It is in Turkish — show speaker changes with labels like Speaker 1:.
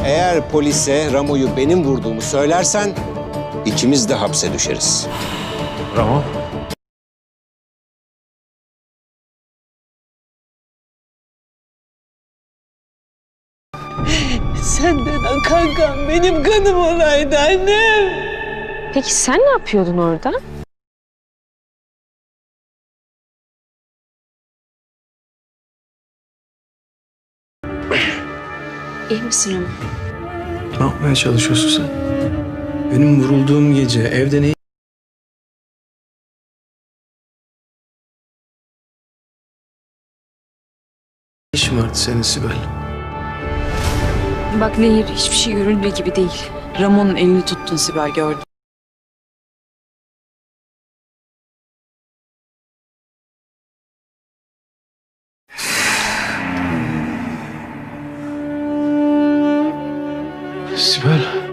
Speaker 1: Eğer polise Ramo'yu benim vurduğumu söylersen ikimiz de hapse düşeriz.
Speaker 2: Ramo.
Speaker 3: Senden akan kan benim kanım olaydı annem.
Speaker 4: Peki sen ne yapıyordun orada? İyi misin Ramo?
Speaker 5: Ne yapmaya çalışıyorsun sen? Benim vurulduğum gece evde ne işin vardı senin Sibel?
Speaker 6: Bak Nehir, hiçbir şey göründüğü gibi değil. Ramon'un elini tuttun Sibel, gördüm.
Speaker 5: Sibel.